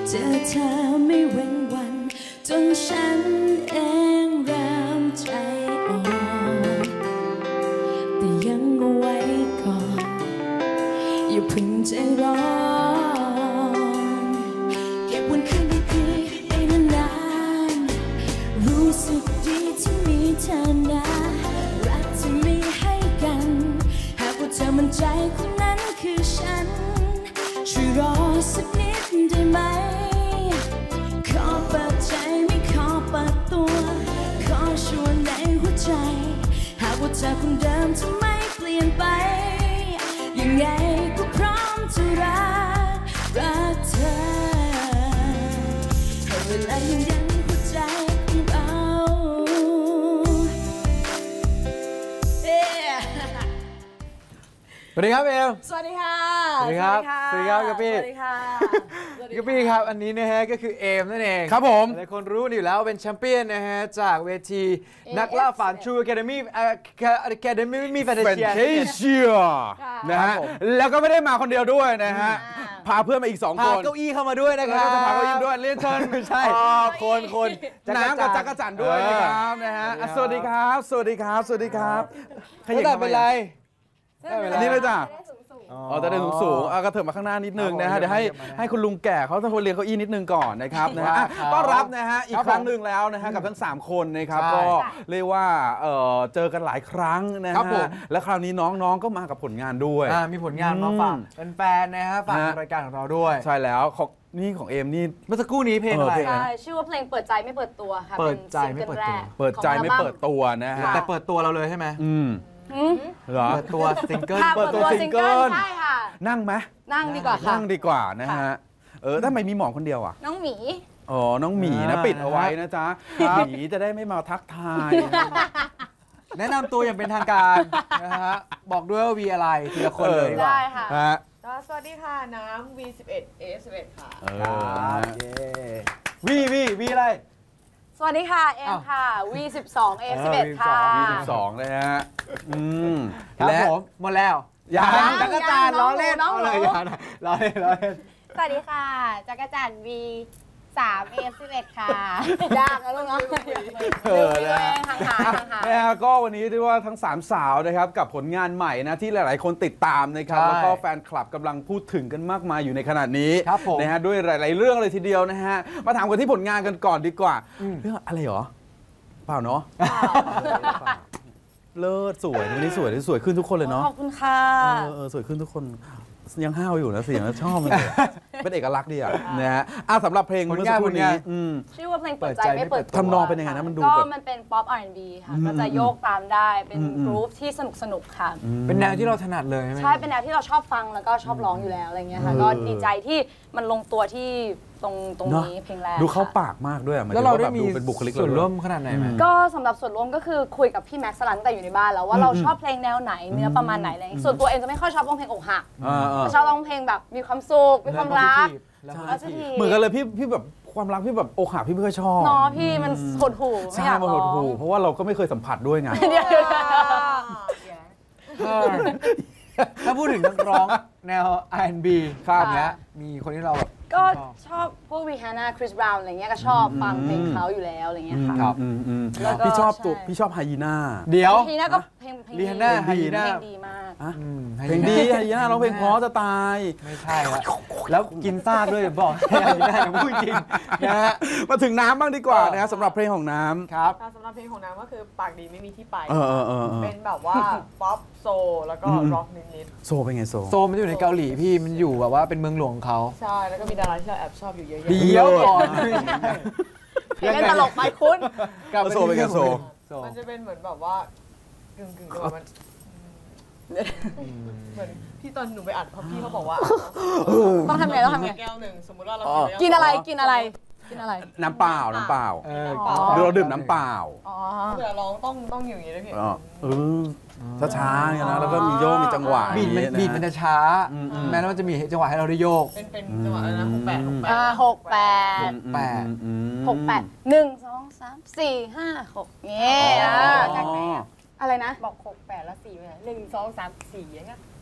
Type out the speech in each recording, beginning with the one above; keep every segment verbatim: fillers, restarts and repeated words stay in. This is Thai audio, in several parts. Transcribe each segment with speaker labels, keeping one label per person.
Speaker 1: เจอเธอไม่เว้นวันจนฉันเองเริ่มใจอ่อนแต่ยังเอาไว้ก่อนอย่าเพิ่งใจร้อนเก็บวันคืนดีๆไปนานๆรู้สึกดีที่มีเธอนะรักที่มีให้กันหากว่าเธอมั่นใจคนนั้นคือฉันช่วยรอสักนิดได้ไหมขอเปิดใจไม่ขอเปิดตัวขอชวนในหัวใจหากว่าเธอคนเดิมจะไม่เปลี่ยนไปยังไงก็พร้อมจะรักรักเธอให้เวลายังยันหัวใจของเรา
Speaker 2: สวัสดีครับเอม
Speaker 3: สวัสดีค่ะ
Speaker 2: สวัสดีครับสวัสดีครับกะปี้
Speaker 3: สวัสดีค่ะ
Speaker 2: กะปี้ครับอันนี้นะฮะก็คือเอมนั่นเอง
Speaker 4: ครับผม
Speaker 2: หลายคนรู้อยู่แล้วเป็นแชมเปี้ยนนะฮะจากเวทีนักล่าฝัน True Academy Academy มีแฟนเชีย
Speaker 4: นะฮะแล้วก็ไม่ได้มาคนเดียวด้วยนะฮะพาเพื่อนมาอีกสองคน
Speaker 2: พาเก้าอี้เข้ามาด้วยนะครับ
Speaker 4: จะพาเก้าอี้ด้วยเรียนเชิญ
Speaker 2: ใช่คนคน
Speaker 4: น้ำกับจักรจันทร์ด้วยนะครับนะฮะสวัสดีครับสวัสดีครับสวัสดีครับ
Speaker 2: ขยับแต่เป็นไร
Speaker 4: อันนี้เลยจ้ะอ๋อจะได้สูงสูงก็เถิบมาข้างหน้านิดนึงนะฮะเดี๋ยวให้ให้คุณลุงแก่เขาต้องเรียนเก้าอี้นิดนึงก่อนนะครับนะฮะต้อนรับนะฮะอีกครั้งหนึ่งแล้วนะฮะกับทั้งสามคนนะครับก็เรียกว่าเจอกันหลายครั้งนะฮะและคราวนี้น้องๆก็มากับผลงานด้วย
Speaker 2: มีผลงานมาฝากแฟนๆนะฮะฝากรายการของเราด้วย
Speaker 4: ใช่แล้วของนี่ของเอมนี่
Speaker 2: เมื่อสักครู่นี้เพลงอะไร
Speaker 3: ใช่ชื่อว่าเพลงเปิดใจไม่เปิดตัวค่ะ
Speaker 2: เปิดใจไม่เปิดตัว
Speaker 4: เปิดใจไม่เปิดตัวนะฮะ
Speaker 2: แต่เปิดตัวเราเลยใช่ไหม
Speaker 4: อืมเหรอ
Speaker 2: เปิดตัวซิงเกิล
Speaker 3: เปิดตัวซิงเกิลใช่ค่ะ
Speaker 4: นั่งไหม
Speaker 3: นั่งดีกว่าค่ะ
Speaker 4: นั่งดีกว่านะฮะเออทำไมมีหมอคนเดียวอ่ะ
Speaker 3: น้องหมี
Speaker 4: อ๋อน้องหมีนะปิดเอาไว้นะจ๊ะหมีจะได้ไม่มาทักทาย
Speaker 2: แนะนำตัวอย่างเป็นทางการนะฮะบอกด้วยว่าวีอะไรทีละคนเลย
Speaker 3: ได้ค่ะ
Speaker 5: สวัสดีค่ะน้ำ วี สิบเอ็ด เอ สิบเอ็ด ค่ะ
Speaker 2: วีวีวีอะไร
Speaker 3: สวัสดีค่ะเอ็มค่ะ วี สิบสอง เอ สิบเอ็ด ค่ะ
Speaker 4: วี สิบสองเลยฮะอืม
Speaker 2: ครับผมหมดแล้ว
Speaker 3: ยัง
Speaker 2: จักรจันทร์ล้อเล่นเอาเลยอย่าล้อเล่นล้อเล่น
Speaker 3: สวัสดีค่ะจักรจันทร์ วี สาม เอ สิบเอ็ด ค่ะยากนะลูกเนาะ
Speaker 4: เออนะฮะก็วันนี้ที่ว่าทั้งสามสาวนะครับกับผลงานใหม่นะที่หลายๆคนติดตามนะครับแล้วก็แฟนคลับกำลังพูดถึงกันมากมายอยู่ในขณะนี้นะฮะด้วยหลายๆเรื่องเลยทีเดียวนะฮะมาถามกันที่ผลงานกันก่อนดีกว่าเรื่องอะไรหรอเปล่าเนาะเลิศสวยวันนี้สวยสวยขึ้นทุกคนเลยเนาะ
Speaker 3: ขอบคุณค่ะ
Speaker 4: เออสวยขึ้นทุกคนยังห้าวอยู่นะเสียงชอบมันเลยเป็นเอกลักษณ์ดีอ่ะนะฮะอ่ะสำหรับเพลงเมื่อสักครู่นี้
Speaker 3: ชื่อว่าเพลงเปิดใจไม่เปิดตัว
Speaker 4: ทำนองเป็นยังไงนะมันดู
Speaker 3: ก็มันเป็นป๊อป อาร์ แอนด์ บี ค่ะก็จะโยกตามได้เป็นกรุ๊ปที่สนุกสนุกค่ะ
Speaker 2: เป็นแนวที่เราถนัดเลย
Speaker 3: ใช่เป็นแนวที่เราชอบฟังแล้วก็ชอบร้องอยู่แล้วอะไรเงี้ยค่ะก็ดีใจที่มันลงตัวที่ตรงตรงนี้เพลงแรก
Speaker 4: ดูเข้าปากมากด้วย
Speaker 2: แล้วเราได้มีส่วนร่วมขนาดไหนไหม
Speaker 3: ก็สำหรับส่วนร่วมก็คือคุยกับพี่แม็กซ์สลันตั้งแต่อยู่ในบ้านแล้วว่าเราชอบเพลงแนวไหนเนื้อประมาณไหนอะไรส่วนตัวเองจะไม่ค่อยชอบร้องเพลงอกหักชอบร้องเพลงแบบมีความสุขมีความรัก
Speaker 4: เหมือนกันเลยพี่พี่แบบความรักพี่แบบอกหักพี่ไม่ค่อยชอบ
Speaker 3: เนาะพี่มันหดหู่
Speaker 4: ใช่มันหดหู่เพราะว่าเราก็ไม่เคยสัมผัสด้วยไง
Speaker 2: ถ้าพูดถึงนักร้องแนว อาร์ แอนด์ บี ครับเนี้ยมีคนที่เราแบบ
Speaker 3: ก็ชอบพวกวีฮาน่าคริสบราวน์อะไรเงี้ยก็ชอบฟังเพลงเขาอยู่แล้วอะไรเงี้ยค่ะ
Speaker 4: ครับพี่ชอบตัวพี่ชอบไฮยีน่า
Speaker 2: เดี๋ยว
Speaker 3: ไฮยีน่าก็เพลงเพลง
Speaker 2: ดีฮาน่าไฮยีน่า
Speaker 3: เพลงดีมาก
Speaker 4: เพลงดีไฮยีน่าร้องเพลงเพราะจะตาย
Speaker 2: ไม่ใช่แล้วแล้วกินซากด้วยบอกไฮยีน่าพูดจริงนะฮะ
Speaker 4: มาถึงน้ำบ้างดีกว่านะสำหรับเพลงของน้ำ
Speaker 2: ครับ
Speaker 5: สำหรับเพลงของน้ำก็คือปากดีไม่มีที่ไป
Speaker 4: เ
Speaker 5: ป็นแบบว่าป๊อปโซแล้วก็ร็อกนิด
Speaker 4: ๆโซเป็นไงโซ
Speaker 2: โซมันอยู่ในเกาหลีพี่มันอยู่แบบว่าเป็นเมืองหลวงของเขา
Speaker 5: ใช่แล้วก็มีดาราที่เราแอบชอบอยู่เยอะ
Speaker 2: ๆเดียวก่อน
Speaker 3: เพลงตลกไปคุณ
Speaker 4: กับโซเป็นไงโซ
Speaker 5: มันจะเป็นเหมือนแบบว่ากึ่งกึ่งมันเหมือนที่ตอนหนูไปอัดพี่เขาบอกว่า
Speaker 3: ต้องทำไงต้องทำไง
Speaker 5: แก้วหนึ่งสมมติว่าเรา
Speaker 3: กินอะไรกินอะไรกินอะไร
Speaker 4: น้ำเปล่าน้ำเปล่าเราดื่มน้ำเปล่า
Speaker 5: เผื่อร้องต้องต้องอย่างนี้ด้วยพี่
Speaker 4: เออช้าๆเนี่ยนะแล้วก็มีโยกมีจังหวะ
Speaker 2: บีดมันบีดมันจะช้าแม้ว่าจะมีจังหวะให้เราได้โยก
Speaker 5: เป็นเป็นจังหวะอะไรนะหกแปดหกแปด
Speaker 3: หกแปด
Speaker 2: แปด
Speaker 3: หกแปดหนึ่งสองสามสี่ห้าหกเงี้ยจากไหนอะไรนะ
Speaker 5: บอกหกแปดแล้วสี่ไปไหนหนึ่งสองสามสี่อย่างเงี้ย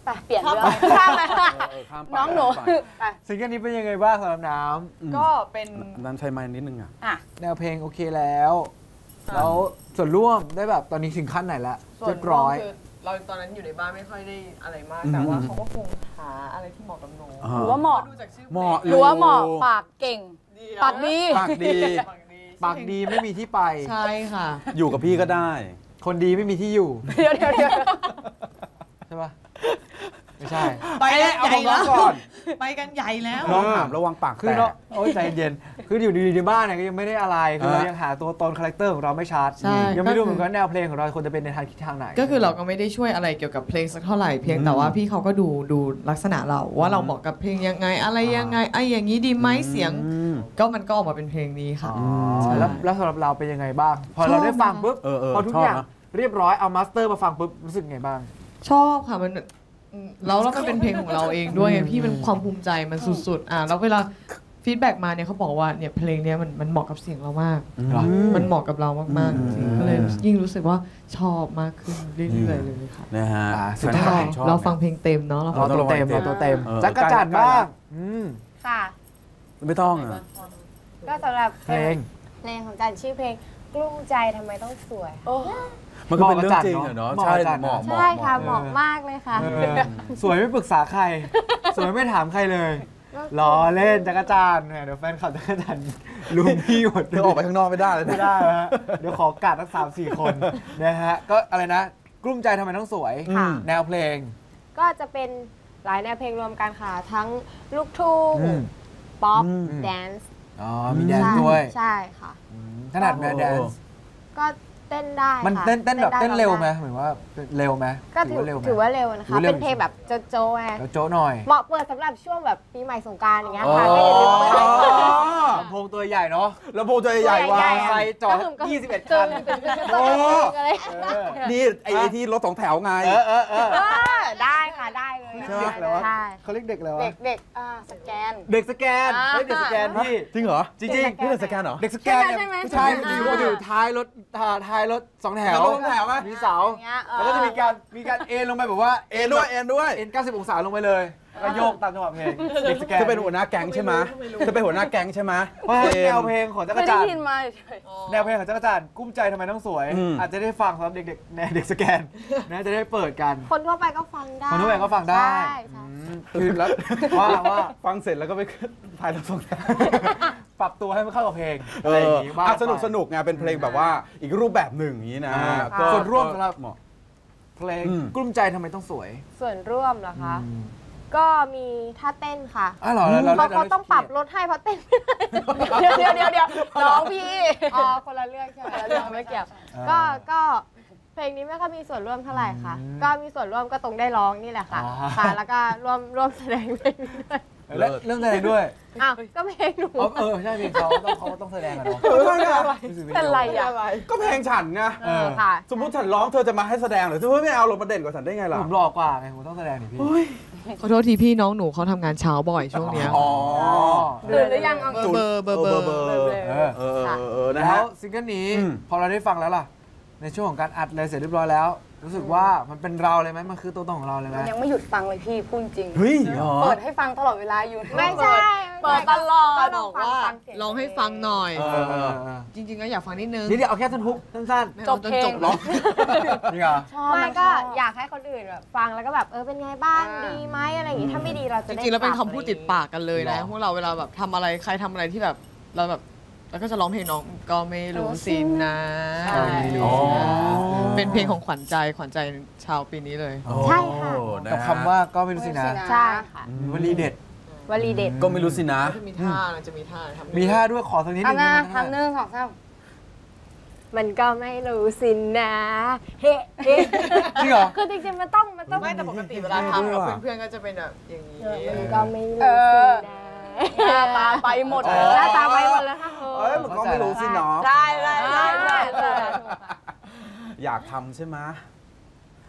Speaker 3: ไปเปลี่ยนเรื่องข้ามไปน้องหนูไป
Speaker 2: ซิงเกิลนี้เป็นยังไงบ้างสำหรับน้
Speaker 5: ก็เป็น
Speaker 4: น้ำใช้ไม้นิดนึงอ่ะ
Speaker 3: อ่ะ
Speaker 2: ำแนวเพลงโอเคแล้วแล้วส่วนร่วมได้แบบตอนนี้ถึงขั้นไหนละ
Speaker 5: ส่ว
Speaker 2: เรี
Speaker 5: น
Speaker 2: ยบร้อย
Speaker 5: คือเราตอนนั้นอยู่ในบ้านไม่ค่อยได้อะไรมาก
Speaker 4: อืม
Speaker 5: แต่ว่าเขาก็คงหาอะไรที่เหมาะกับหนู
Speaker 3: หรือว่าเหมาะ
Speaker 5: ดูจากชื่อ
Speaker 4: เหมาะ
Speaker 3: หรือว่าเหมาะปากเก่ง
Speaker 5: ดี
Speaker 3: ปากดี
Speaker 4: ปากดี
Speaker 5: ปากดี
Speaker 2: ปากดีไม่มีที่ไป
Speaker 5: ใช่ค่ะ
Speaker 4: อยู่กับพี่ก็ได้
Speaker 2: คนดีไม่มีที่อยู่
Speaker 3: เดี๋ยวเดี๋ยวเดี๋ยว
Speaker 2: ใช่ปะไม่ใช่
Speaker 5: ไปแล้ว
Speaker 2: เอาของน้องก่อน
Speaker 5: ไปกันใหญ่แล้ว
Speaker 4: น้องถามระวังปาก
Speaker 2: คือ
Speaker 4: แต
Speaker 2: เนาะ
Speaker 4: ก
Speaker 2: โอ้ยใจเย็นคืออยู่ดีๆในบ้านเนี่ยก็ยังไม่ได้อะไรคือเรา
Speaker 4: อ่ะ
Speaker 2: ยังหาตัวตนคาแรคเตอร์ของเราไม่ชัด
Speaker 6: ใช่
Speaker 2: ยังไม่รู้เหมือน
Speaker 6: ก็
Speaker 2: กั
Speaker 6: คื
Speaker 2: น
Speaker 6: อ
Speaker 2: แนวเพลงของเราควรจะเป็นในทางทิศทางไหน
Speaker 6: ก็คือเราก็ไม่ได้ช่วยอะไรเกี่ยวกับเพลงสักเท่าไหร่เพียงแต่ว่าพี่เขาก็ดูดูลักษณะเราว่าเราเหมาะกับเพลงยังไงอะไรยังไงไอ้อย่างนี้ดีไหมเสียง
Speaker 4: อืม
Speaker 6: ก็มันก็ออกมาเป็นเพลงนี้ค่ะ
Speaker 2: อ๋อ
Speaker 6: ใช่
Speaker 2: แล้วแล้วสำหรับเราเป็นยังไงบ้าง พอ
Speaker 6: ชอบ
Speaker 2: เราได้ฟังปุ๊บ
Speaker 4: เออเออ
Speaker 2: พอทุก
Speaker 4: ชอบ
Speaker 2: อย่าง
Speaker 4: นะ
Speaker 2: เรียบร้อยเอามาสเตอร์มาฟังปุ๊บรู้สึกไงบ้าง
Speaker 6: ชอบค่ะมันอืมแล้วแล้วมันเป็นเพลงของเราเองด้วยไงพี่มันความภูมิใจมันสุดๆอ่ะแล้วเวลาฟีดแบ็กมาเนี่ยเขาบอกว่าเนี่ยเพลงเนี้ยมันมันเหมาะกับเสียงเรามาก
Speaker 2: เหรอ
Speaker 6: มันเหมาะกับเรามากๆจริงๆก็เลยยิ่งรู้สึกว่าชอบมากขึ้นเรื่อยๆเลยค่ะ
Speaker 4: นะฮะ
Speaker 2: อ่าสุด
Speaker 6: ต้อง
Speaker 2: ท้าย
Speaker 6: รอ
Speaker 4: ชอบ
Speaker 6: เราฟังเพลงเต็มเนาะเรา
Speaker 2: ร
Speaker 6: ฟั
Speaker 2: อง ตัวเต็มรอตัวเต็ม
Speaker 4: เออ
Speaker 2: จักรจันทร์บ้างอืม
Speaker 3: ค่ะ
Speaker 4: ไม่ต้องอ่ะ
Speaker 7: ก็สำหรับ
Speaker 2: เพลง
Speaker 7: เพลงของจันชื่อเพลงกลุ้มใจทำไมต้องสวย
Speaker 4: มันก็เป็นเรื่องจริงอะเนาะ
Speaker 2: เหมาะ
Speaker 4: ใช่
Speaker 2: กับจัน
Speaker 4: เหมาะ
Speaker 2: เนอะ
Speaker 4: เหมาะ
Speaker 7: ใช่ค่ะ
Speaker 2: เห
Speaker 7: เห
Speaker 2: มาะ
Speaker 7: มาะมากเลยค่ะ
Speaker 2: เออสวยไม่ปรึกษาใคร สวยไม่ถามใครเลยล้อเล่นจักรจันทร์เนี่ยเดี๋ยวแฟนคลับจักรจันทร์ลุมพี่หมด
Speaker 4: เธอออกไปข้างนอกไม่ได้เลย
Speaker 2: ไม่ได้ฮะเดี๋ยวขอกัดทั้งสามสี่คนนะฮะก็อะไรนะ กลุ้มใจทำไมต้องสวย
Speaker 7: ค่ะ
Speaker 2: แนวเพลง
Speaker 7: ก็จะเป็นหลายแนวเพลงรวมกันค่ะ ทั้งลูกทุ่ง
Speaker 2: อืม
Speaker 7: ป๊อป
Speaker 2: อืม
Speaker 7: แดนซ์
Speaker 2: อ๋อมีแดนซ์ด้วย
Speaker 7: ใช่ค่ะ
Speaker 2: ขนาดแดนซ์
Speaker 7: ก็เต้นได้
Speaker 2: มัน
Speaker 7: ค่ะ
Speaker 2: เต้นเต้นแบบ
Speaker 7: ได้
Speaker 2: เต้นเร็วไหม
Speaker 7: ได้
Speaker 2: เหมือนว่าเร็วไหม
Speaker 7: ก็ถือ
Speaker 2: ว่าเร็วไหม
Speaker 7: ถือว่าเร็วนะ
Speaker 2: ถือ
Speaker 7: คะ
Speaker 2: ว่าเร็ว
Speaker 7: เป็นเพลงแบบโจ๊ะโจ๊ะไง
Speaker 2: แล้วโจ้หน่อย
Speaker 7: เหมาะเปิดสำหรับช่วงแบบปีใหม่สงกรานต์อย่างเงี้ยค่ะ
Speaker 2: อ๋อ
Speaker 7: ก็อย่าลืมเปิดไว้ก่อน
Speaker 2: ลำโพงตัวใหญ่เนาะ
Speaker 4: แล้วโพใจใหญ่ว่า
Speaker 7: ใหญ่
Speaker 2: ใส่จอด
Speaker 7: ก็คือ
Speaker 2: ยี่สิบเอ็ด
Speaker 7: กึ่
Speaker 2: คั
Speaker 7: ง
Speaker 2: น
Speaker 7: กึ่งกึ่งกึ่ง
Speaker 4: โอ้
Speaker 7: อะไร
Speaker 2: เออ
Speaker 4: นี่ไอ้ไอ้ที่รถสองแถวไง
Speaker 2: เออเออเออ
Speaker 7: เออได้ค่ะได้เลย
Speaker 2: ใช่ไหมแล้ววะ
Speaker 7: ใช่
Speaker 2: เขาเรียกเด็กแล้ว
Speaker 7: เด็
Speaker 2: วะ
Speaker 7: กเด็กอ่าสแกน
Speaker 2: เด็กสแกน
Speaker 7: อ่า
Speaker 2: เฮ้ยเด็กสแกนพี่
Speaker 4: จริงเหรอ
Speaker 2: จริง
Speaker 7: เด็ก
Speaker 2: ๆ
Speaker 4: นี่เป็นสแกนเหรอ
Speaker 2: เด็กสแกนเนี่ย
Speaker 7: ใช่ไหม
Speaker 2: ผู้ชาย
Speaker 7: ใช่
Speaker 2: มัน
Speaker 7: ไหม
Speaker 2: อยู่มันอยู่ท้ายรถท้าท้ายรถสองแถว
Speaker 4: รถสองแถวไหม
Speaker 2: มีเสา
Speaker 7: อย่างเงี้ยเออ
Speaker 2: แล้วก็จะมีการมีการเอ็นลงไปแบบว่า
Speaker 4: เอ็นด้วยเอ็นด้วย
Speaker 2: เอ็นเก้าสิบองศาลงไปเลยแล้วก็โยกตามจังหวะเพลงเด็กสแกน
Speaker 4: เธอเป็นหัวหน้าแก๊งใช่ไหมเธอเป็นหัวหน้าแก๊งใช่ไหม
Speaker 2: เพราะฉะนั้นแนวเพลงของจัก
Speaker 3: ไม่
Speaker 2: ร
Speaker 3: ได้
Speaker 2: จันท
Speaker 3: ยิน
Speaker 2: ร์
Speaker 3: มาเฉย
Speaker 2: แนวเพลงของจักรจันทร์กุ้มใจทำไมต้องสวย
Speaker 4: อืม
Speaker 2: อาจจะได้ฟังสำหรับเด็กๆแนวเด็กสแกนนะจะได้เปิดกัน
Speaker 7: คนทั่วไปก็ฟังได้
Speaker 2: คนทั่วไปก็ฟังได้
Speaker 7: ใช่ใช่
Speaker 2: คือแล้วว่าว่า
Speaker 4: ฟังเสร็จแล้วก็ไปถ่ายรถสองแถว
Speaker 2: ปรับตัวให้มันเข้ากับเพลง
Speaker 4: เอ
Speaker 2: อะไรอ
Speaker 4: อย่าง
Speaker 2: งี้บ้าง
Speaker 4: อ่ะสนุกสนุกไงเป็นเพลงแบบว่าอีกรูปแบบหนึ่งอย่างนี้นะ
Speaker 2: อ่า
Speaker 4: ก็
Speaker 2: ส่วนร่วมสำหรับ
Speaker 4: เหมาะ
Speaker 2: เพลง
Speaker 4: อืม
Speaker 2: กลุ้มใจทำไมต้องสวย
Speaker 7: ส่วนร่วมเหรอคะ ก็มีท่าเต้นค่ะ
Speaker 2: อ๋อเหรอแล้ว
Speaker 7: เขาเขาต้องปรับลดให้เพราะเต้นไม่ได้
Speaker 3: เดี๋ยวเดี๋ยวเดี๋ยวน้องพี่
Speaker 7: อ๋อคนละเรื่องใช่ไหม
Speaker 3: คนละเรื่องไม่เกี่ยว
Speaker 7: ก็ก็เพลงนี้ไม่ค่อยมีส่วนร่วมเท่าไหร่ค่ะ ก็มีส่วนร่วมก็ตรงได้ร้องนี่แหละค่ะ ค่ะ แล้วก็ร่วมร่วมแสดงเพลงนี้ด้วย
Speaker 2: และเรื่องแสดงด้วย
Speaker 7: อ้าวก็เพลงหนู
Speaker 2: อ๋อเออใช่เพลงเขาต้องเขาต้องแสดงอะเนาะ
Speaker 3: เป็นไรอ่ะ
Speaker 4: ก็เพลงฉันไง
Speaker 2: เออ
Speaker 7: ค่ะ
Speaker 4: สมมติฉันร้องเธอจะมาให้แสดงเหรือเธอไม่เอาลงมาเด่นกว่าฉันได้ไงล่ะ
Speaker 2: ผมหล่อกว่าไงผมต้องแสดงดิพี่
Speaker 6: ขอโทษทีพี่น้องหนูเขาทำงานเช้าบ่อยช่วงเนี้ย
Speaker 4: อ๋อ
Speaker 3: ตื่นหรือยังเอา
Speaker 6: เบอร์เบอร์เบอร์
Speaker 4: เบอร์
Speaker 2: เออ
Speaker 4: เออเออเออนะ
Speaker 2: แล้
Speaker 4: ฮะ
Speaker 2: วซิงเกิลนี้
Speaker 4: อืม
Speaker 2: พอเราได้ฟังแล้วล่ะ ในช่วงของการอัดเลยเสร็จเรียบร้อยแล้ว รู้สึกว่ามันเป็นเราเลยไหมมันคือตัวตนของเราเลยไหม
Speaker 3: ยังไม่หยุดฟังเลยพี่พูดจริง
Speaker 4: เฮ้ยเหรอ
Speaker 3: เปิดให้ฟังตลอดเวลาอยู่
Speaker 7: ไม่ใช่
Speaker 3: เปิดตลอด
Speaker 7: ก็
Speaker 6: บ
Speaker 7: ล
Speaker 6: อ
Speaker 7: อง
Speaker 6: ก
Speaker 7: ฟัง
Speaker 6: ว่า
Speaker 7: ฟังเสียง
Speaker 6: ลองให้ฟังหน่อย
Speaker 2: เออเออเออ
Speaker 6: จริงๆก็อยากฟังนิดนึง
Speaker 2: นี่เดี๋ยวเอาแค่ท่อนฮุกสั้น
Speaker 6: ไม่
Speaker 3: จ
Speaker 6: เอา
Speaker 3: บ
Speaker 6: จน
Speaker 3: เพลง
Speaker 6: จบร้อง
Speaker 2: ๆนี่เหรอ
Speaker 3: ชอบ
Speaker 7: ไม่
Speaker 3: น
Speaker 7: ก็
Speaker 3: ชบ
Speaker 7: อยากให้คนอื่นแบบฟังแล้วก็แบบเออเป็นไงบ้างดีไหมอะไรอย่างงี้ถ้าไม่ดีเรา
Speaker 6: จ
Speaker 7: จะได้
Speaker 6: ริงๆแล้วเป็น
Speaker 7: ปรับ
Speaker 6: คำพูดติดปากกันเลยนะพวกเราเวลาแบบทำอะไรใครทำอะไรที่แบบเราแบบแล้วก็จะร้องเพลงน้องก็ไม่รู้สินะ
Speaker 3: ใช่
Speaker 4: อ๋อ
Speaker 6: เป็นเพลงของขวัญใจขวัญใจชาวปีนี้เลย
Speaker 7: ใช่ค่ะ
Speaker 4: โอ้นะ
Speaker 2: กับ
Speaker 4: ฮะ
Speaker 2: คำว่าก็ไม่รู้สินะ
Speaker 7: ใช่ค่ะ
Speaker 2: วลีเด็ด
Speaker 7: วลีเด็ด
Speaker 4: ก็ไม่รู้สินะ
Speaker 6: จะมีท่าจะมีท่าทำ
Speaker 2: มีท่าด้วยขอสักนิดนึง
Speaker 3: ทำหน้า
Speaker 2: ได้ไหม
Speaker 3: ทำหนึ่งสองสาม
Speaker 7: มันก็ไม่รู้สินะเฮ้เฮ้
Speaker 2: จริงเหรอ
Speaker 7: คือจริงๆมันต้องมันต้อง
Speaker 6: ไม่แต่ปกติเวลาทำกับเพื่อนๆก็จะเป็นแบบอย่างนี้
Speaker 7: มันก็ไม่รู้
Speaker 3: เอ
Speaker 7: สิ
Speaker 3: อ
Speaker 7: นะ
Speaker 3: หน้าตาไปหมด
Speaker 2: อ๋
Speaker 3: เล
Speaker 2: อ
Speaker 3: ย
Speaker 7: หน้าตาไปหมดเลยค่ะ
Speaker 4: เอ้ยมันก็ไม่รู้สิเนาะ
Speaker 3: ใช่ใช่ใช่ใช่ใช่
Speaker 4: อยากทำใช่ไหม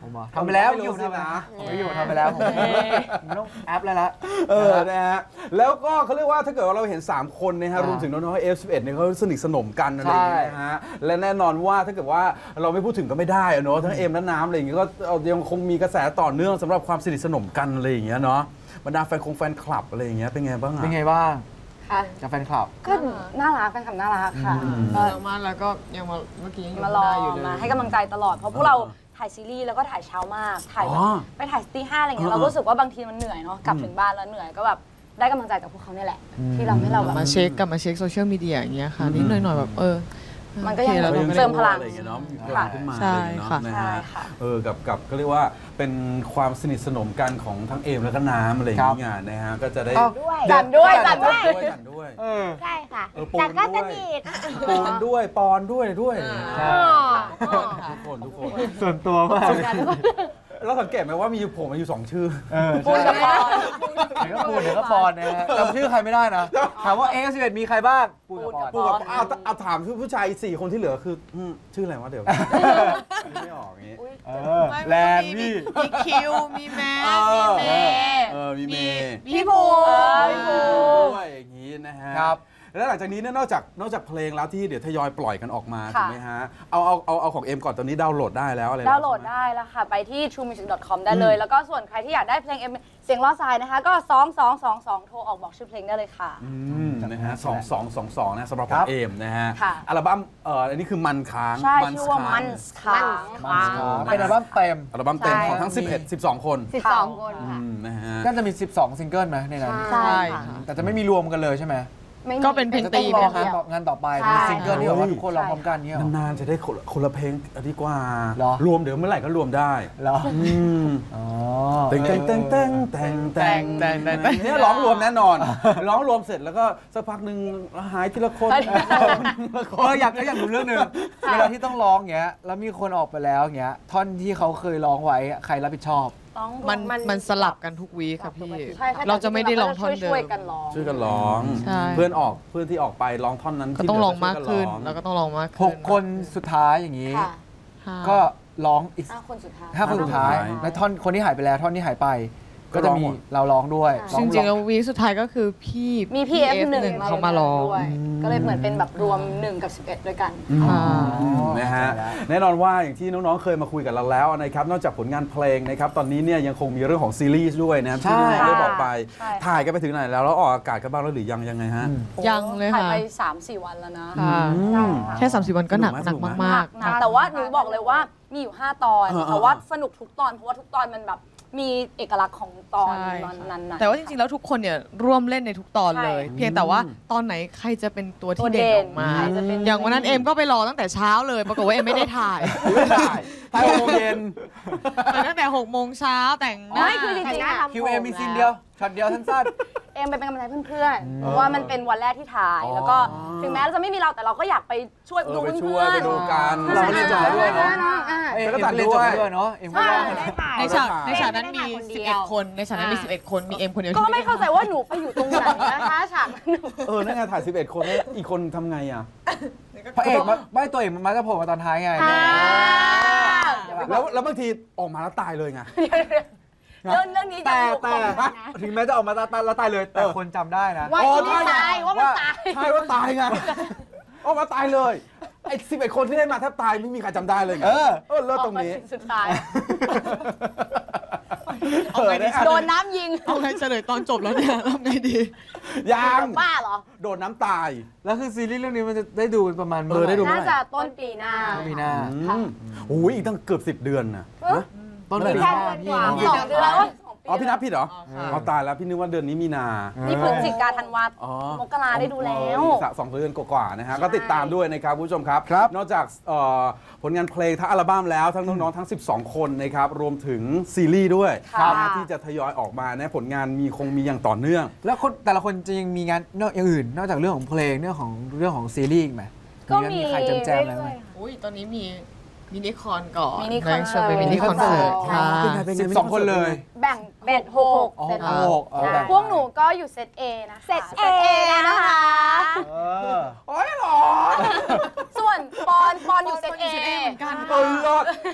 Speaker 2: ผมบอกทำไปแล้วอยู่ทำนะผมไม่อยู่ทำไปแล้วผมไม่ต้องแอปแล้วละ
Speaker 4: เออนะฮะแล้วก็เขาเรียกว่าถ้าเกิดว่าเราเห็นสามคนนะฮะรวมถึงน้องๆ เอฟ สิบเอ็ด เนี่ยเขาสนิทสนมกันอะไรอย่างเงี้ยนะฮะและแน่นอนว่าถ้าเกิดว่าเราไม่พูดถึงก็ไม่ได้เนาะทั้งเอมและน้ำอะไรอย่างเงี้ยก็ยังคงมีกระแสต่อเนื่องสำหรับความสนิทสนมกันอะไรอย่างเงี้ยเนาะบรรดาแฟนคงแฟนคลับอะไรอย่างเงี้ยเป็นไงบ้างอ่ะ
Speaker 2: เป็นไงบ้าง
Speaker 3: ค่ะ
Speaker 2: กับแฟนคลับ
Speaker 3: ก็น่ารักแฟนคลับน่ารักค่ะ
Speaker 6: ก็มาแล้วก็ยังมาเมื่อกี้ยัง
Speaker 3: มารอ
Speaker 6: อยู่เลย
Speaker 3: มาให้กำลังใจตลอดเพราะพวกเราถ่ายซีรีส์แล้วก็ถ่ายเช้ามากถ่ายแบบไปถ่ายตีห้าอะไรเงี้ยเรารู้สึกว่าบางทีมันเหนื่อยเนาะกลับถึงบ้านแล้วเหนื่อยก็แบบได้กำลังใจจากพวกเขาเนี่ยแหละที่เราให้เราแบบ
Speaker 6: มาเช็คกลับมาเช็คโซเชียลมีเดียอย่างเงี้ยค่ะนิดหน่อยๆแบบเออ
Speaker 3: มันก็ยังเติมพลัง
Speaker 4: อะไรอย่างเงี้ยเนาะมีพลังขึ้นมา
Speaker 6: ใช่ค่ะ
Speaker 4: นะฮะเออกับกับก็เรียกว่าเป็นความสนิทสนมกันของทั้งเอมและก็น้ำอะไรอย่างเงี้ยนะฮะก็จะได้
Speaker 3: จัดด้วยจัดด้วย
Speaker 4: จัดด้วย
Speaker 7: ใช่ค่ะ
Speaker 4: แต่ก็สนิทปูนด้วยปอนด้วยด้วยทุกคนทุกคน
Speaker 2: ส่วนตัวมาก
Speaker 4: เราสังเกตไหมว่ามีอยู่ผมมาอยู่สองชื่อ
Speaker 3: ปูนกับปอน
Speaker 2: เดี๋ยวก็ปูนเดี๋ยวก็ปอนนะฮะจำชื่อใครไม่ได้นะถามว่าเอฟสิบเอ็ดมีใครบ้างปูนกับปอน
Speaker 4: ปูนกับเอาเอาถามผู้ชายสี่คนที่เหลือคือชื่ออะไรวะเดี๋ยวไม่ออกอย่างนี้
Speaker 2: แลนมี่
Speaker 6: มีคิวมีแมทมีเมย์
Speaker 4: มีเมย์
Speaker 3: พี่ภู
Speaker 4: พี่ภูด้วยอย่างนี้นะฮะครับแล้วหลังจากนี้เนี่ยนอกจากนอกจากเพลงแล้วที่เดี๋ยวทยอยปล่อยกันออกมาถูกไหมฮะเอาเอาเอาเอาของเอ็มก่อนตอนนี้ดาวน์โหลดได้แล้วอะไร
Speaker 3: ดาวน์โหลดได้แล้วค่ะไปที่ ทรูมิวสิก ดอท คอม ได้เลยแล้วก็ส่วนใครที่อยากได้เพลงเอ็มเสียงล้อทรายนะคะก็สอง สอง สอง สองโทรออกบอกชื่อเพลงได้เลยค่ะ
Speaker 4: อืมนะฮะสอง สอง สอง สองนะสำหรับเอ็มนะฮะอัลบั้มเอ่ออันนี้คือมันค้าง
Speaker 3: ใช่ชื่อว่ามันค้าง
Speaker 2: เป็นอัลบั้มเต็ม
Speaker 4: อัลบั้มเต็มของทั้งสิบเอ็ด สิบสองคน
Speaker 7: สิบสองคนค่ะ
Speaker 4: นะฮะ
Speaker 2: ก็จะมีสิบสองซิงเกิลไหมในนั้น
Speaker 3: ใช่
Speaker 2: แต่จะไม่มีรวมกันเลยใช่ไหม
Speaker 6: ก็เป็นเพลงตีม
Speaker 2: นะคะงานต่อไปมีซิงเกิลที่แบบว่าทุกคนร้องพร้อมกันเนี่ย
Speaker 4: นานๆจะได้คนละเพลงดีกว่ารวมเดี๋ยวเมื่อไหร่ก็รวมได้
Speaker 2: เหรอ
Speaker 4: อ๋อเต็งเต็งเต็งเต็งเต็งเต็งเต็งเต็งเนี่ยร้องรวมแน่นอนร้องรวมเสร็จแล้วก็สักพักหนึ่งหายทีละคน
Speaker 2: เอออยากอยากดูเรื่องหนึ่งเวลาที่ต้องร้องเงี้ยแล้วมีคนออกไปแล้วเงี้ยท่อนที่เขาเคยร้องไว้ใครรับผิดชอบ
Speaker 6: มันมันสลับกันทุกวีค่ะพี่เราจะไม่ได้ร้องท่อนเดิม
Speaker 3: ช่วยกันร้อง
Speaker 4: ช่วยกันร้องเพื่อนออกเพื่อนที่ออกไปร้องท่อนนั้น
Speaker 6: ก็ต้องร้องมากขึ้นแล้วก็ต้องร้องมากขึ้น
Speaker 2: หกคนสุดท้ายอย่างนี้ก็ร้องอีก
Speaker 3: ห้าคนสุดท้าย
Speaker 2: ห้าคนสุดท้ายและท่อนคนที่หายไปแล้วท่อนที่หายไปก็จะมีเราร้องด้วย
Speaker 6: จริงๆแล้ววีสุดท้ายก็คือพี่
Speaker 3: มีพี่ เอฟ หนึ่ง
Speaker 6: เขามาร้อง
Speaker 3: ก็เลยเหมือนเป็นแบบรวมหนึ่งกับสิบเอ็ดด้วยกัน
Speaker 4: นะฮะแน่นอนว่าอย่างที่น้องๆเคยมาคุยกับเราแล้วนะครับนอกจากผลงานเพลงนะครับตอนนี้เนี่ยยังคงมีเรื่องของซีรีส์ด้วยนะที่ได้บอกไปถ่ายกันไปถึงไหนแล้วแล้วออกอากาศกันบ้างแล้วหรือยังยังไงฮะ
Speaker 6: ยังเลยค่ะ
Speaker 3: ถ่ายไป สามสี่ วันแล้วนะ
Speaker 6: แค่สามสี่วันก็หนักหนักมาก
Speaker 3: ๆแต่ว่าหนูบอกเลยว่ามีอยู่ห้าตอนแต่ว่าสนุกทุกตอนเพราะว่าทุกตอนมันแบบมีเอกลักษณ์ของตอนนั้นๆ
Speaker 6: แต่ว่าจริงๆแล้วทุกคนเนี่ยร่วมเล่นในทุกตอนเลยเพียงแต่ว่าตอนไหนใครจะเป็นตัวที่เด่นออกมาอย่างวันนั้นเอมก็ไปรอตั้งแต่เช้าเลยปรากฏว่าเอมไม่ได้ถ่าย
Speaker 4: ถ่ายหกโมงเย็น
Speaker 6: ไปตั้งแต่หกโมงเช้าแต่งหน้า
Speaker 3: คือจริงๆ
Speaker 2: คิวเอมีซีนเดียวช็อตเดียวสั้น
Speaker 3: เอ็มไปเป็นกำลังใจเพื่อนๆเพราะว่ามันเป็นวันแรกที่ถ่ายแล้วก็ถึงแม้เราจะไม่มีเราแต่เราก็อยากไปช่วยดูเพื่อน
Speaker 4: ไปดูกัน
Speaker 2: เราเล่นจอด้วยเนาะเอ็มก็เล่นจอด้วยเนาะเอ็มก็
Speaker 6: ในฉากในฉากนั้นมีสิบเอ็ดคนในฉากนั้นมีสิบเอ็ดคนมีเอ็มคนเดียว
Speaker 3: ก็ไม่เข้าใจว่าหนูไปอยู่ตรงไหนนะคะฉากนั้น
Speaker 4: เออนั่นไงถ่ายสิบเอ็ดคนแล้วอีกคนทำไงอ่ะ
Speaker 2: พระเอกไม่ตัวเอกมันมาจะโผล่มาตอนท้ายไง
Speaker 4: แล้วแล้วบางทีออกมาแล้วตายเลยไง
Speaker 3: เรื่องเรื่องนี้
Speaker 2: แต่แต่ถึงแม้จะออกมาตายแล้วตายเลยแต่คนจำได้นะ
Speaker 3: ว่าไม่ตายว่ามันตาย
Speaker 4: ใช่ว่าตายไงออกมาตายเลยไอ้สิบเอ็ดคนที่ได้มาแทบตายไม่มีใครจำได้เลยไงเออเออเลิศตรงนี้
Speaker 3: สุดท้ายโดนน้ำยิง
Speaker 6: เอาไงเฉลยตอนจบแล้วเนี่ยทำไงดี
Speaker 4: ยัง
Speaker 3: บ้าเหรอ
Speaker 4: โดนน้ำตาย
Speaker 2: แล้วคือซีรีส์เรื่องนี้มันจะได้ดูประมาณ
Speaker 4: เออได้ดู
Speaker 3: น่าจะต้นปีหน้า
Speaker 2: ปีหน้า
Speaker 4: โอ้ยอีกตั้งเกือบสิบเดือนน่ะ
Speaker 2: ต้นปีหน้าพี่
Speaker 3: สองเดือน
Speaker 4: อ๋อพี่นับผิดเหรออ๋อตายแล้วพี่นึกว่าเดือนนี้มีนา
Speaker 3: นี่พฤศจิกาธันวามกราได้ดูแล้ว
Speaker 4: สองเดือนกว่าๆนะฮะก็ติดตามด้วยนะครับผู้ชมครับนอกจากผลงานเพลงทั้งอัลบั้มแล้วทั้งน้องๆทั้งสิบสองคนนะครับรวมถึงซีรีส์ด้วยที่จะทยอยออกมานะผลงานมีคงมีอย่างต่อเนื่อง
Speaker 2: แล้วคนแต่ละคนจะยังมีงานนอกอย่างอื่นนอกจากเรื่องของเพลงเรื่องของเรื่องของซีรีส์อีกไหม
Speaker 3: ก็มี
Speaker 2: ใครจำแจมอะไรไหม
Speaker 6: อุ้ยตอนนี้มีมินิคอนก่อน
Speaker 3: มินิคอนเสิร์
Speaker 6: ตมินิคอนเสิร์ตค่ะ
Speaker 2: สิบสองคนเลย
Speaker 3: แบ่งเบ็ดหกเซตพวกหนูก็อยู่เซต A นะเซต A นะคะ
Speaker 4: โอ้ยหรอ
Speaker 3: ส่วนปอนปอนอยู่เซต A
Speaker 4: เหมือนกันเออ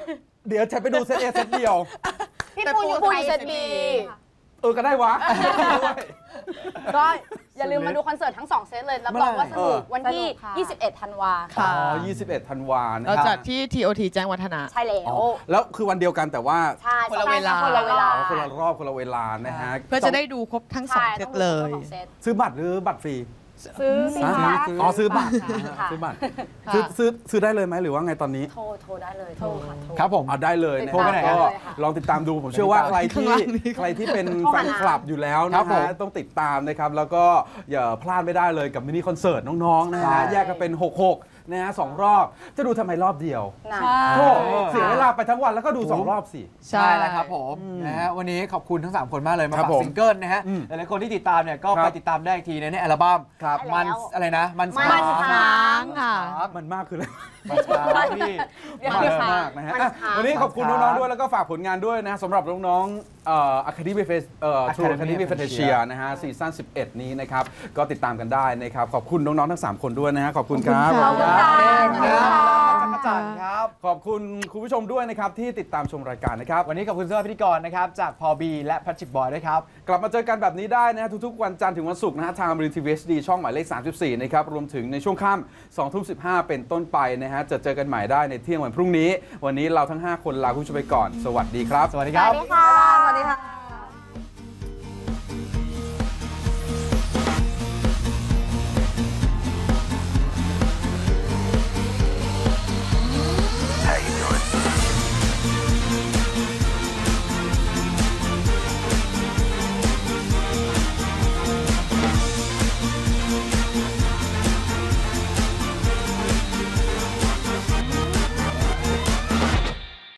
Speaker 4: เดี๋ยวจะไปดูเซตเอเซตเดียว
Speaker 3: พี่ปูอยู่ปูอยู่เซตบี
Speaker 4: เออก็ได้วะ
Speaker 3: ก็อย่าลืมมาดูคอนเสิร์ตทั้งสองเซตเลยรับรองว่าสนุกวันที่ ยี่สิบเอ็ด ธันวา
Speaker 4: อ๋
Speaker 6: ค่ะ
Speaker 4: อยี่สิบเอ็ดธันวานะ
Speaker 6: เรา
Speaker 4: ครับ
Speaker 6: จัดที่ ที โอ ที แจ้งวัฒนะ
Speaker 3: ใช่แล้ว
Speaker 4: อ๋อแล้วคือวันเดียวกันแต่ว่า
Speaker 3: ใช่
Speaker 6: คนละเวลา
Speaker 3: คนละเวลา
Speaker 4: อ๋อคนละรอบคนละเวลานะฮะ
Speaker 6: เพื่อจะได้ดูครบทั้งสอง
Speaker 3: ใช่
Speaker 6: เซ
Speaker 3: ต้
Speaker 6: ต
Speaker 3: องดู
Speaker 6: เลย
Speaker 3: ทั้งสองเซต
Speaker 4: ซื้อบัตรหรือบัตรฟรี
Speaker 3: ซื้อสิ
Speaker 4: ซื้อ
Speaker 3: คะ
Speaker 4: ซื้ออ๋อซื้อบัตร
Speaker 3: ค่ะ
Speaker 4: ซื้อบัตร
Speaker 6: ค่ะ
Speaker 4: ซื้อซื้อซื้อได้เลยไหมหรือว่าไงตอนนี้
Speaker 3: โทรโทรได้เลยโทรค่ะโทร
Speaker 2: ครับผม
Speaker 4: เอาได้เลยนะ
Speaker 3: โทรไปไหน
Speaker 4: ก็
Speaker 3: เลยค่ะ
Speaker 4: ลองติดตามดูผมเชื่อว่าใคร
Speaker 6: ข้าง
Speaker 4: ที่
Speaker 6: ล่างนี้
Speaker 4: ใครที่เป็น
Speaker 3: โทร
Speaker 4: แฟ
Speaker 3: หาน
Speaker 4: คลับอยู่แล้ว
Speaker 2: ครั
Speaker 4: นะ
Speaker 2: บผม
Speaker 4: ฮะต้องติดตามนะครับแล้วก็อย่าพลาดไม่ได้เลยกับมินิคอนเสิร์ตน้องๆนะ
Speaker 2: ใช่
Speaker 4: ฮะแยกกันเป็นหกหกนะฮะสองรอบ จะดูทำไมรอบเดียว
Speaker 3: นะ
Speaker 4: โธ่เสียเวลาไปทั้งวันแล้วก็ดูสองรอบสิ
Speaker 6: ใช่
Speaker 2: ใช่แล้วครับผมนะฮะวันนี้ขอบคุณทั้งสามคนมากเลยมา
Speaker 4: ครับ
Speaker 2: ฝาก
Speaker 4: ผม
Speaker 2: ซิงเกิลนะฮะ
Speaker 4: อืม
Speaker 2: หลายๆคนที่ติดตามเนี่ยก็
Speaker 4: ครับ
Speaker 2: ไปติดตามได้อีกทีในอัลบั้ม
Speaker 4: ครับ
Speaker 2: มันอะไรนะ มัน
Speaker 3: มัน
Speaker 2: ส
Speaker 3: ค้าง
Speaker 6: ค่ะ
Speaker 4: มันมากคืออะไร
Speaker 2: มันช้างพี่
Speaker 3: เดี๋ยว
Speaker 4: มาก
Speaker 3: ค่ะ
Speaker 4: มากนะฮะ
Speaker 3: มัน
Speaker 4: อ่ะ
Speaker 3: ค้าง
Speaker 4: วันนี้ขอบคุณ
Speaker 2: มันค้าง
Speaker 4: น้องๆด้วยแล้วก็ฝากผลงานด้วยนะสำหรับน้องๆเอ่อ Academy Face เอ่อ True
Speaker 2: Academy
Speaker 4: Academy
Speaker 2: Fantasia
Speaker 4: Fantasia นะฮะซีซั่นสิบเอ็ดนี้นะครับก็ติดตามกันได้นะครับขอบคุณน้องๆทั้งสามคนด้วยนะฮะขอบคุณครับ
Speaker 6: ขอบคุณ
Speaker 3: ค่ะ
Speaker 2: จักรจันทร์ครับ
Speaker 4: ขอบคุณคุณผู้ชมด้วยนะครับที่ติดตามชมรายการนะครับ
Speaker 2: วันนี้ขอบคุณสำหรับพิธีกรนะครับจากพอบีและแพทริกบอยด้วยครับ
Speaker 4: กลับมาเจอกันแบบนี้ได้นะฮะทุกๆวันจันทร์ถึงวันศุกร์นะฮะทางบริษัททีวี เอช ดี ช่องหมายเลขสามสิบสี่นะครับรวมถึงในช่วงค่ำสองทุ่มสิบห้าเป็นต้นไปนะฮะจะเจอกันใหม่ได้ในเที่ยงวันพรุ่งนี้ วันนี้เราทั้งห้าคนลาคุณผู้ชมไปก่อนสวัสดีครับ
Speaker 2: สวัสดี
Speaker 3: ส
Speaker 2: ครั
Speaker 3: วั
Speaker 2: บ
Speaker 3: สดีค่ะ สวัสดีค่ะ